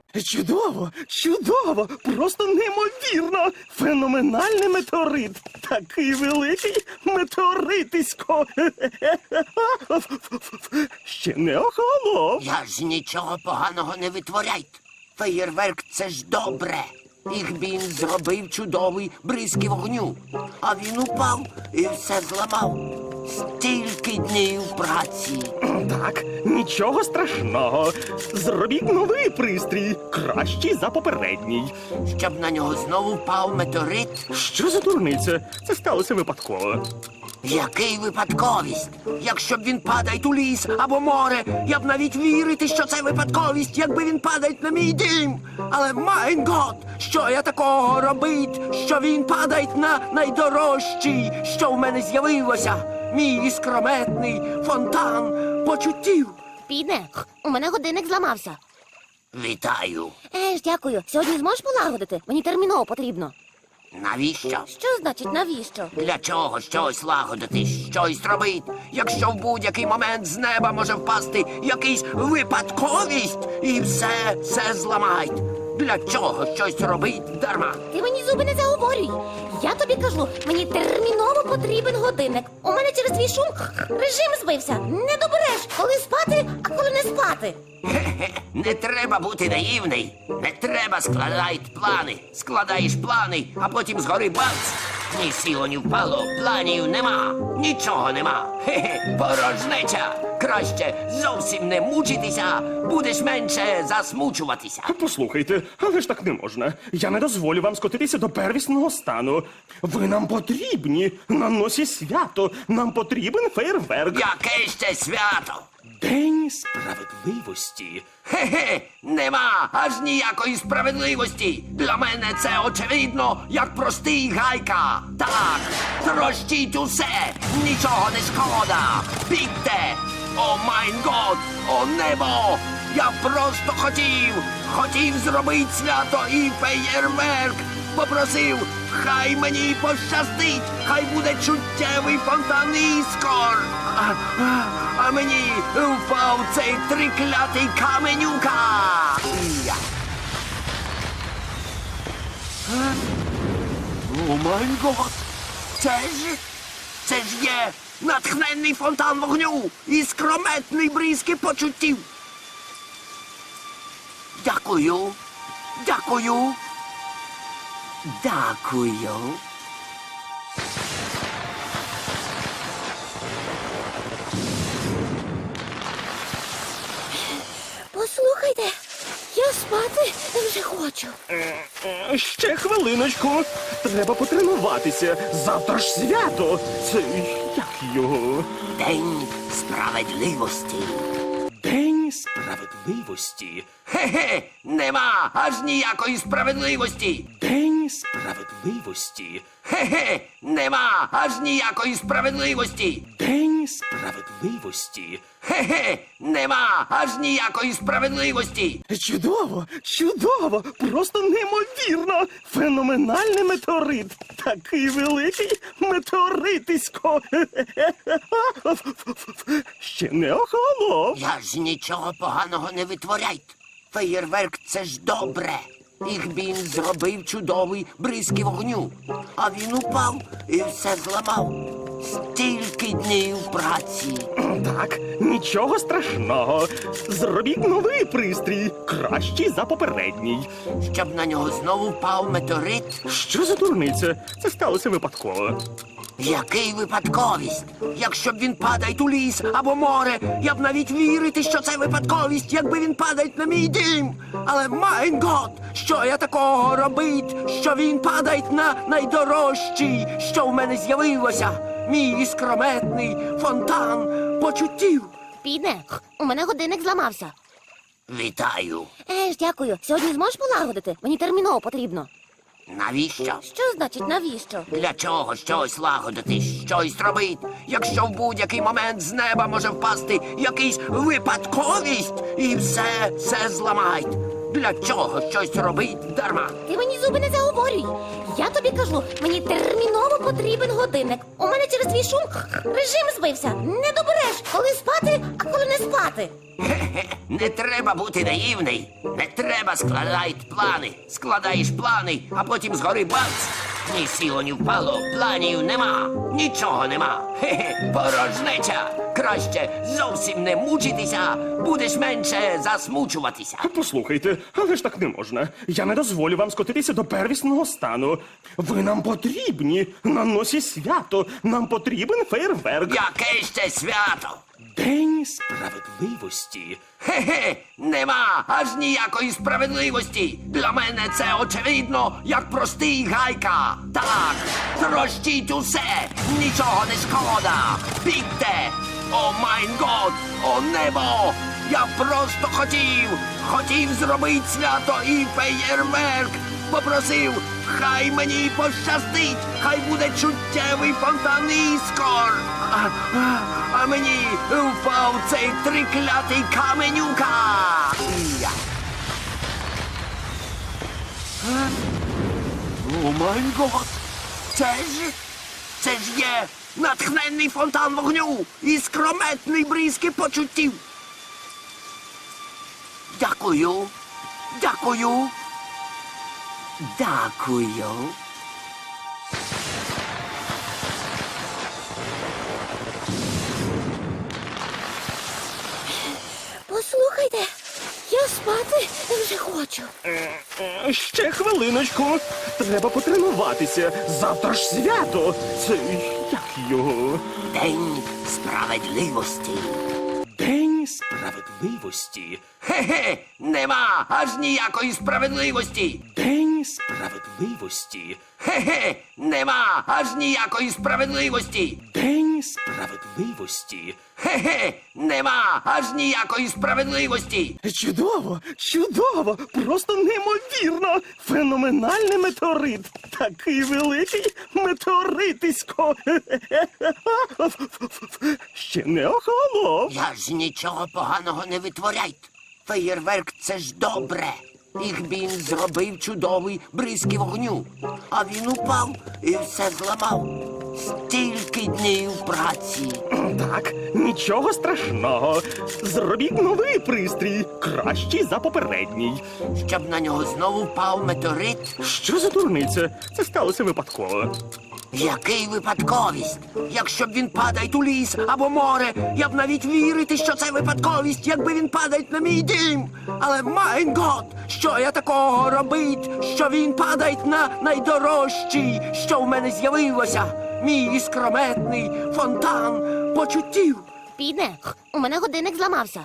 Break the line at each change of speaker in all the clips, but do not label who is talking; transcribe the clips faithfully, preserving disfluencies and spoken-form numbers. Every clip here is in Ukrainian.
Чудово, чудово, просто неймовірно. Феноменальний метеорит. Такий великий метеоритисько. Ще не охолонув.
Я ж нічого поганого не витворяйте. Феєрверк – це ж добре. Їх він зробив чудовий бризки вогню. А він упав і все зламав. Стільки днів праці.
Так, нічого страшного. Зробіть новий пристрій, кращий за попередній.
Щоб на нього знову впав метеорит.
Що за дурниця? Це сталося випадково.
Який випадковість? Якщо б він падає у ліс або море, я б навіть вірити, що це випадковість, якби він падає на мій дім. Але, майн гот, що я такого робить, що він падає на найдорожчий, що в мене з'явилося? Мій іскрометний фонтан почуттів.
Підне, у мене годинник зламався.
Вітаю.
Е ж, дякую. Сьогодні зможеш полагодити? Мені терміново потрібно.
Навіщо?
Що значить навіщо?
Для чого щось лагодити, щось робить, якщо в будь-який момент з неба може впасти якийсь випадковість і все, все зламають? Для чого щось робить дарма?
Ти мені зуби не заговорюй. Я тобі кажу, мені терміново потрібен годинник. У мене через твій шум режим збився. Не добереш, коли спати, а коли не спати.
Хе-хе, не треба бути наївний. Не треба складати плани. Складаєш плани, а потім згори бац. Ні сіло, ні впало, планів нема. Нічого нема. Хе-хе, порожнеча. Краще зовсім не мучитися, будеш менше засмучуватися.
Послухайте, але ж так не можна. Я не дозволю вам скотитися до первісного стану. Ви нам потрібні. На носі свято. Нам потрібен фейерверк.
Яке ще свято?
День справедливості.
Хе-хе, нема аж ніякої справедливості. Для мене це очевидно, як простий гайка. Так, трощіть усе, нічого не шкода. Бігте! О майн год, о небо! Я просто хотів, хотів зробити свято і феєрверк. Попросив, хай мені пощастить, хай буде чуттєвий фонтан іскор. А, а, а мені впав цей триклятий каменюка. Я. Е? О май гот! Це ж, це ж є натхненний фонтан вогню і скрометний бризки почуттів. Дякую, дякую, дякую.
Послухайте, я спати вже хочу.
Е, Ще хвилиночку. Треба потренуватися. Завтра ж свято. Це як його?
День справедливості.
День справедливості.
Хе-хе, нема аж ніякої справедливості.
День справедливості.
Хе-хе, нема аж ніякої справедливості.
День справедливості.
Хе-хе, нема аж ніякої справедливості.
Чудово, чудово, просто неймовірно. Феноменальний метеорит. Такий великий метеоритисько. Ще не охолонув.
Я ж нічого поганого не витворяйте. Феєрверк – це ж добре. Їх він зробив чудовий бризки вогню. А він упав і все зламав. Стільки днів праці.
Так, нічого страшного. Зробіть новий пристрій, кращий за попередній.
Щоб на нього знову впав метеорит.
Що за дурниця? Це сталося випадково.
Який випадковість? Якщо б він падає у ліс або море, я б навіть вірити, що це випадковість, якби він падає на мій дім. Але, майн гот, що я такого робить, що він падає на найдорожчий, що в мене з'явилося? Мій іскрометний фонтан почуттів.
Підне, у мене годинник зламався.
Вітаю.
Е ж, дякую. Сьогодні зможеш полагодити? Мені терміново потрібно.
Навіщо?
Що значить навіщо?
Для чого щось лагодити, щось робить, якщо в будь-який момент з неба може впасти якийсь випадковість і все, все зламають? Для чого щось робить дарма?
Ти мені зуби не заговорюй. Я тобі кажу, мені терміново потрібен годинник. У мене через твій шум режим збився. Не добереш, коли спати, а коли не спати. спати.
Хе-хе, не треба бути наївний. Не треба складати плани. Складаєш плани, а потім згори бац. Ні сіло, ні впало, планів нема, нічого нема. Хе-хе, порожнеча. Краще зовсім не мучитися, будеш менше засмучуватися.
Послухайте, але ж так не можна. Я не дозволю вам скотитися до первісного стану. Ви нам потрібні. На носі свято. Нам потрібен фейерверк.
Яке ще свято?
День справедливості.
Хе-хе, нема аж ніякої справедливості. Для мене це очевидно, як простий гайка. Так, трощіть усе, нічого не шкода. Бігте! О майн год, о небо! Я просто хотів, хотів зробити свято і феєрверк. Попросив, хай мені пощастить, хай буде чуттєвий фонтан іскор. А, а, а мені впав цей триклятий каменюка. Я. Е? О май гот! Це ж, це ж є натхненний фонтан вогню і скрометний бризки почуттів. Дякую, дякую. Дякую.
Послухайте, я спати вже хочу.
Е, Ще хвилиночку. Треба потренуватися. Завтра ж свято. Це як його?
День справедливості.
День справедливості.
Хе-хе, нема аж ніякої справедливості.
День справедливості.
Хе-хе, нема аж ніякої справедливості.
День справедливості.
Хе-хе, нема аж ніякої справедливості.
Чудово, чудово, просто неймовірно. Феноменальний метеорит. Такий великий метеоритисько. Ще не охолонув.
Я ж нічого поганого не витворяйте. Феєрверк — це ж добре. Їх він зробив чудовий бризки вогню. А він упав і все зламав. Стільки днів праці.
Так, нічого страшного. Зробіть новий пристрій, кращий за попередній.
Щоб на нього знову впав метеорит.
Що за дурниця? Це сталося випадково.
Який випадковість? Якщо б він падає у ліс або море, я б навіть вірити, що це випадковість, якби він падає на мій дім. Але майн гот, що я такого робить, що він падає на найдорожчий, що в мене з'явилося. Мій іскрометний фонтан почуттів.
Підне, у мене годинник зламався.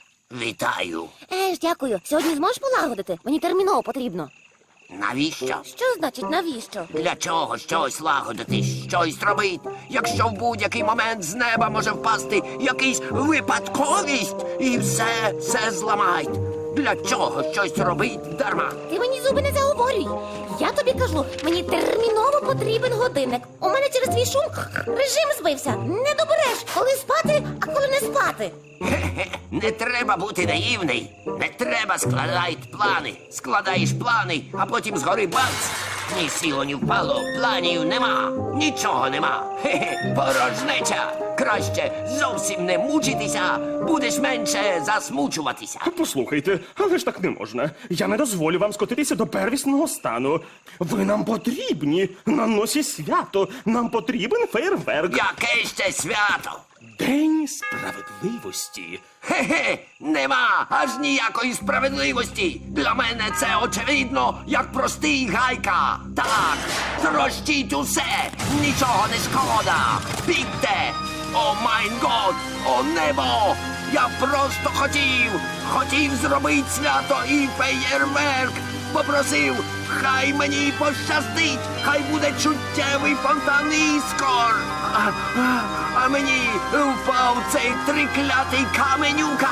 Вітаю.
Е ж, дякую. Сьогодні зможеш полагодити? Мені терміново потрібно.
Навіщо?
Що значить навіщо?
Для чого щось лагодити, щось робить, якщо в будь-який момент з неба може впасти якийсь випадковість і все, все зламають. Для чого щось робить дарма?
Ти мені зуби не заговорюй. Я тобі кажу, мені терміново потрібен годинник. У мене через твій шум режим збився. Не добереш, коли спати, а коли не спати.
Хе-хе, не треба бути наївний. Не треба складати плани. Складаєш плани, а потім згори бац. Ні сіло, ні впало, планів нема, нічого нема. Хе-хе, порожнеча. Краще зовсім не мучитися, будеш менше засмучуватися.
Послухайте, але ж так не можна. Я не дозволю вам скотитися до первісного стану. Ви нам потрібні. На носі свято. Нам потрібен фейерверк.
Яке ще свято?
День справедливості.
Хе-хе, нема аж ніякої справедливості. Для мене це очевидно, як простий гайка. Так, трощіть усе, нічого не шкода. Бігте! О майн год, о небо! Я просто хотів, хотів зробити свято і феєрверк. Попросив, хай мені пощастить, хай буде чуттєвий фонтан іскор. А, а, а мені впав цей триклятий каменюка.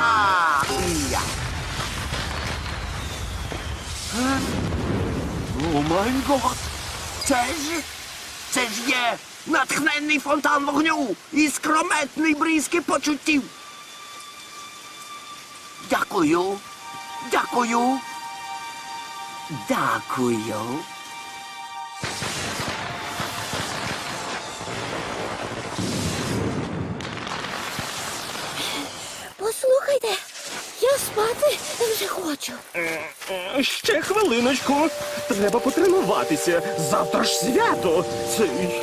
Я. Е? О май гот! Це ж, це ж є натхненний фонтан вогню і скрометний бризки почуттів. Дякую, дякую, дякую.
Послухайте, спати вже хочу.
Е, Ще хвилиночку. Треба потренуватися. Завтра ж свято. Це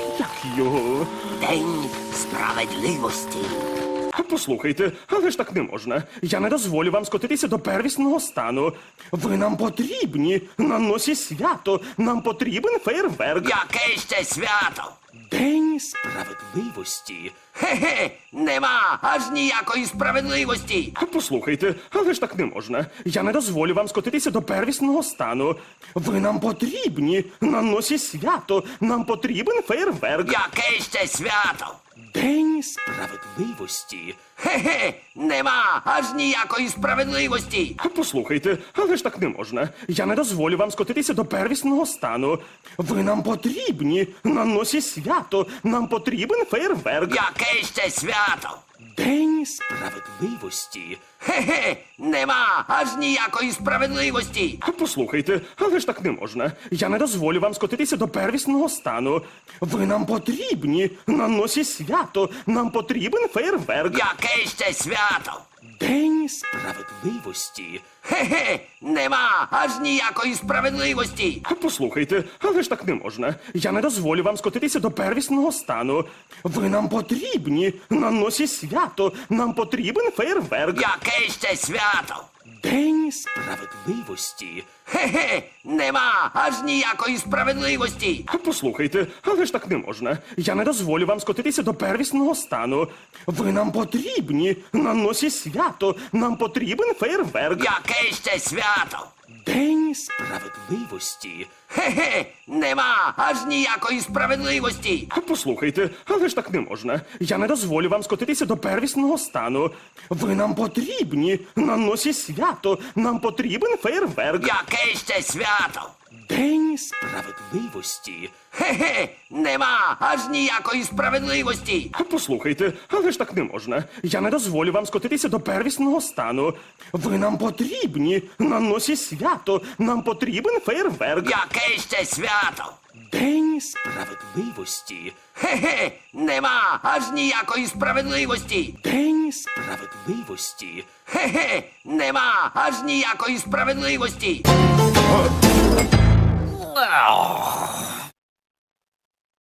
як його?
День справедливості.
Послухайте, але ж так не можна. Я не дозволю вам скотитися до первісного стану. Ви нам потрібні. На носі свято. Нам потрібен фейерверк.
Яке ще свято?
День справедливості.
Хе-хе, нема аж ніякої справедливості.
Послухайте, але ж так не можна. Я не дозволю вам скотитися до первісного стану. Ви нам потрібні. На носі свято. Нам потрібен фейерверк.
Яке ще свято?
День справедливості.
Хе-хе, нема аж ніякої справедливості.
Послухайте, але ж так не можна. Я не дозволю вам скотитися до первісного стану. Ви нам потрібні. На носі свято. Нам потрібен фейерверк.
Яке ще свято?
День справедливості.
Хе-хе, нема аж ніякої справедливості.
Послухайте, але ж так не можна. Я не дозволю вам скотитися до первісного стану. Ви нам потрібні. На носі свято. Нам потрібен фейерверк.
Яке ще свято?
День справедливості.
Хе-хе, нема аж ніякої справедливості.
Послухайте, але ж так не можна. Я не дозволю вам скотитися до первісного стану. Ви нам потрібні. На носі свято. Нам потрібен фейерверк.
Яке ще свято?
День справедливості.
Хе-хе, нема аж ніякої справедливості.
Послухайте, але ж так не можна. Я не дозволю вам скотитися до первісного стану. Ви нам потрібні. На носі свято. Нам потрібен фейерверк.
Яке ще свято?
День справедливості.
Хе-хе, нема аж ніякої справедливості.
Послухайте, але ж так не можна. Я не дозволю вам скотитися до первісного стану. Ви нам потрібні. На носі свято. Нам потрібен фейерверк.
Яке ще свято?
День справедливості.
Хе-хе, нема аж ніякої справедливості.
Послухайте, але ж так не можна. Я не дозволю вам скотитися до первісного стану. Ви нам потрібні. На носі свято. Нам потрібен фейерверк.
Яке ще свято?
День справедливості.
Хе-хе, нема аж ніякої справедливості.
День справедливості.
Хе-хе, нема аж ніякої справедливості.